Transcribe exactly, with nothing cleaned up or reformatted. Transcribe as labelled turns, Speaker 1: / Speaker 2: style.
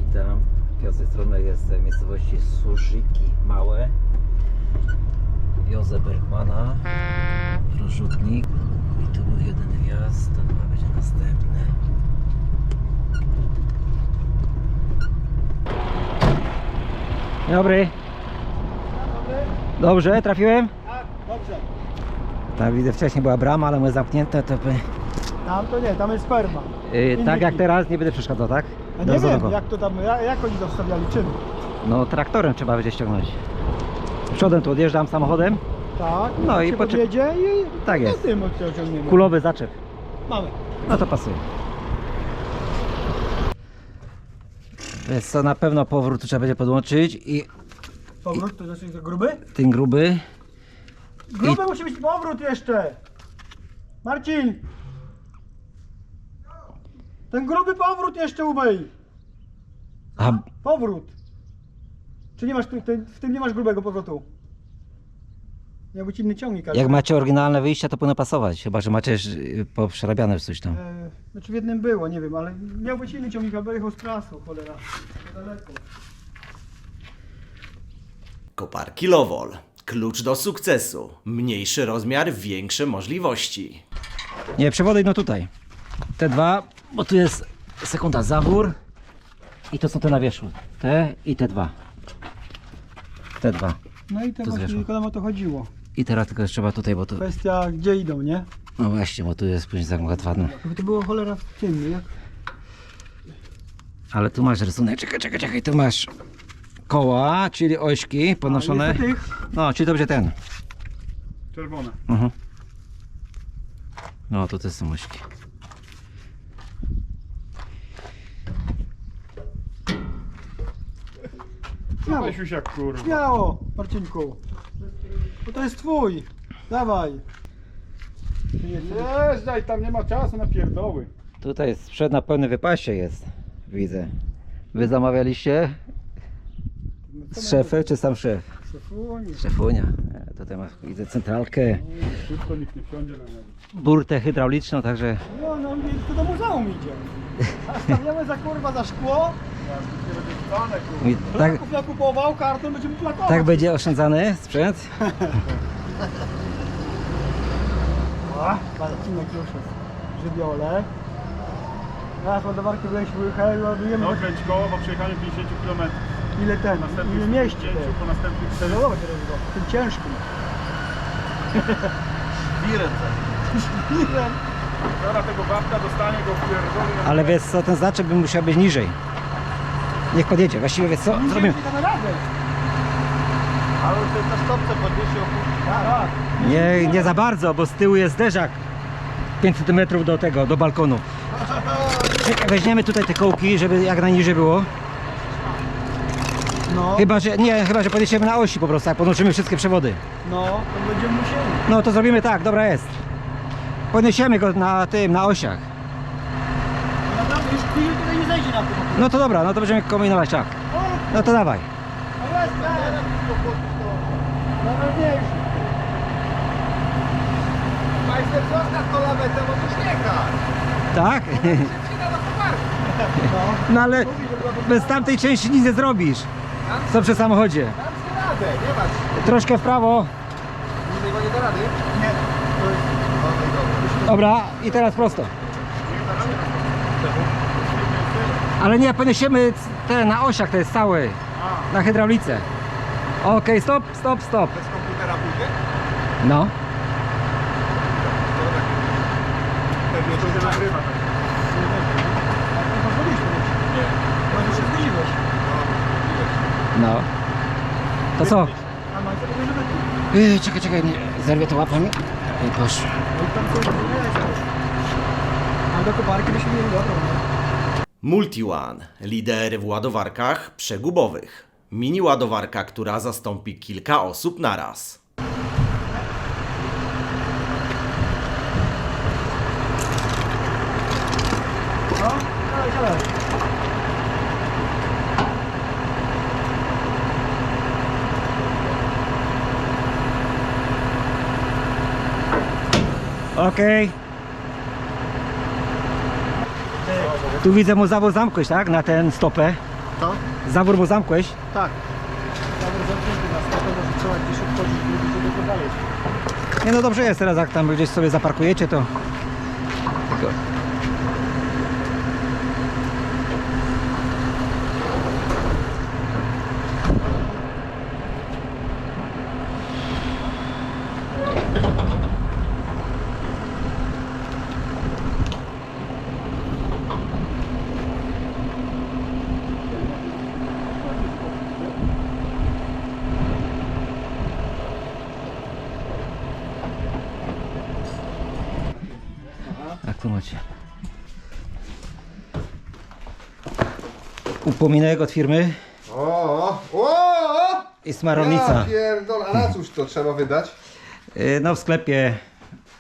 Speaker 1: Witam. Ja z tej strony jest miejscowości Surzyki Małe. Józef Bergmana, rozrzutnik. I tu był jeden wjazd, to chyba będzie następny. Dzień dobry. Dobrze, trafiłem?
Speaker 2: Tak, dobrze.
Speaker 1: Tak, widzę, wcześniej była brama, ale my zamknięte, to by...
Speaker 2: Tam to nie, tam jest sperma.
Speaker 1: Yy, tak
Speaker 2: Indyki.
Speaker 1: jak teraz, nie będę przeszkadzał, tak?
Speaker 2: A
Speaker 1: Do
Speaker 2: nie wiem,
Speaker 1: rozwoju.
Speaker 2: jak to tam, jak, jak oni zostawiali, czym?
Speaker 1: No traktorem trzeba będzie ściągnąć. Przodem tu odjeżdżam samochodem.
Speaker 2: Tak,
Speaker 1: No i
Speaker 2: się
Speaker 1: poczek-
Speaker 2: podjedzie i
Speaker 1: Tak
Speaker 2: no
Speaker 1: jest.
Speaker 2: tym odciągniemy.
Speaker 1: Kulowy zaczep.
Speaker 2: Mamy.
Speaker 1: No to pasuje. Więc co, na pewno powrót tu trzeba będzie podłączyć i
Speaker 2: Powrót, to znaczy to gruby?
Speaker 1: ten gruby.
Speaker 2: Gruby musi być powrót jeszcze. Marcin! Ten gruby powrót jeszcze umyj.
Speaker 1: A
Speaker 2: Powrót. Czy nie masz, ty, ty, w tym nie masz grubego powrotu? Miał być inny ciągnik, ale...
Speaker 1: jak macie oryginalne wyjścia, to powinno pasować. Chyba że macie y, poprzerabiane coś tam.
Speaker 2: E, znaczy w jednym było, nie wiem, ale miał być inny ciągnik, albo jechał z trasu, cholera. Daleko.
Speaker 3: Koparki Lowol. Klucz do sukcesu. Mniejszy rozmiar, większe możliwości.
Speaker 1: Nie, przewody idą tutaj. Te dwa, bo tu jest sekunda zawór. I to są te na wierzchu. Te i te dwa. Te dwa.
Speaker 2: No i to
Speaker 1: To
Speaker 2: właśnie
Speaker 1: zwierzę.
Speaker 2: tylko nam o to chodziło.
Speaker 1: I teraz tylko jeszcze trzeba tutaj, bo tu...
Speaker 2: Kwestia gdzie idą, nie?
Speaker 1: No właśnie, bo tu jest później zagmatwane.
Speaker 2: Żeby to było cholera w tym, jak?
Speaker 1: Ale tu masz rysunek, czekaj, czekaj, czekaj, tu masz koła, czyli ośki podnoszone.
Speaker 2: A, jest tych
Speaker 1: No, czyli to będzie ten.
Speaker 2: czerwone.
Speaker 1: Mhm. No, to te są ośki.
Speaker 2: Śmiało,
Speaker 4: Weź już jak kurwa.
Speaker 2: śmiało, Marcinku. Bo to jest twój. Dawaj.
Speaker 4: Jeżdżaj, tam nie ma czasu na pierdoły.
Speaker 1: Tutaj sprzęt na pełnym wypasie jest, widzę. Wy zamawialiście z szefem, czy sam szef?
Speaker 2: Szefunie.
Speaker 1: Szefunia. E, Tutaj masz, widzę, centralkę,
Speaker 4: Szybko nikt nie wsiądzie na niego.
Speaker 1: burtę hydrauliczną, także...
Speaker 2: No, no, to do muzeum idzie. A stawiamy za kurwa za szkło.
Speaker 4: Nie będzie wcale kurwa.
Speaker 1: i tak,
Speaker 2: Plaków nakupował, karton będziemy plakować.
Speaker 1: tak będzie oszczędzany sprzęt.
Speaker 2: A, Marcinek już jest. Żywiole. Teraz ładowarki byliśmy wyjechali, ładujemy.
Speaker 4: Dokręć koło po przejechaniu pięćdziesiąt kilometrów.
Speaker 2: Ile ten, ile
Speaker 4: Następnych
Speaker 2: mieści
Speaker 4: pięćdziesięciu,
Speaker 2: ten.
Speaker 4: po następnych
Speaker 2: To
Speaker 4: czterech.
Speaker 2: zobacz teraz go, tym ciężkim. Wirem.
Speaker 4: Zaraz tego babka dostanie go w pierdolę.
Speaker 1: Ale wiesz co, ten znaczek by musiał być niżej. Niech podjedzie. Właściwie wiesz co, zrobimy...
Speaker 2: Damy radę.
Speaker 4: Ale ty na stopce podniesie opuścić.
Speaker 2: Tak, tak.
Speaker 1: Nie, nie za bardzo, bo z tyłu jest zderzak pięć centymetrów do tego, do balkonu. Czekaj, weźmiemy tutaj te kołki, żeby jak najniżej było.
Speaker 2: No,
Speaker 1: Chyba, że nie, chyba, że podniesiemy na osi po prostu, jak podłączymy wszystkie przewody.
Speaker 2: no, to będziemy musieli.
Speaker 1: No to zrobimy tak, dobra jest. Podniesiemy go na tym, na osiach.
Speaker 2: Naprawdę, już chwilę tutaj nie zejdzie na tym.
Speaker 1: No to dobra, no to będziemy kombinować tak.
Speaker 2: O,
Speaker 1: No to dawaj.
Speaker 2: a jest, jest. Najważniejsze.
Speaker 4: Majster, zostaw to lawetę, bo to śniega.
Speaker 1: Tak?
Speaker 4: Przyda na koparkę.
Speaker 2: No.
Speaker 1: No ale bez tamtej części nic nie zrobisz. Co przy samochodzie.
Speaker 4: Dam sobie radę, nie masz.
Speaker 1: Troszkę w prawo.
Speaker 4: Innego nie da rady?
Speaker 2: Nie. To jest...
Speaker 1: Dobra, i teraz prosto. Ale nie, podniesiemy te na osiach, to jest cały. Na hydraulice. Okej, stop, stop, stop.
Speaker 4: Bez komputera pójdzie?
Speaker 1: No.
Speaker 4: Pewnie to się nagrywa.
Speaker 2: Nie pozwoliliśmy.
Speaker 4: Nie.
Speaker 2: Może się zgodziłeś.
Speaker 1: No. To co?
Speaker 2: A Majster mówi, że będzie.
Speaker 1: Yy, czekaj, czekaj, nie, zerwię to łapami. I poszło.
Speaker 2: No i tam coś nie jest. A do koparki byśmy mieli dobrą.
Speaker 3: MultiOne. Lider w ładowarkach przegubowych. Mini ładowarka, która zastąpi kilka osób naraz.
Speaker 2: No, dalej, dalej.
Speaker 1: Okej. Tu widzę mu zawód zamknąć, tak? Na ten stopę.
Speaker 4: Co?
Speaker 1: Zawór mu zamkłeś?
Speaker 4: Tak.
Speaker 2: Dobra, zamknięty nas, to może trzeba gdzieś odchodzić, żeby tylko dalej.
Speaker 1: Nie no dobrze jest teraz, jak tam gdzieś sobie zaparkujecie, to... Tylko... Jak to macie? Upominek od firmy
Speaker 5: O, o, o!
Speaker 1: i smarownica.
Speaker 5: Ja pierdol, a na cóż to trzeba wydać?
Speaker 1: Yy, No w sklepie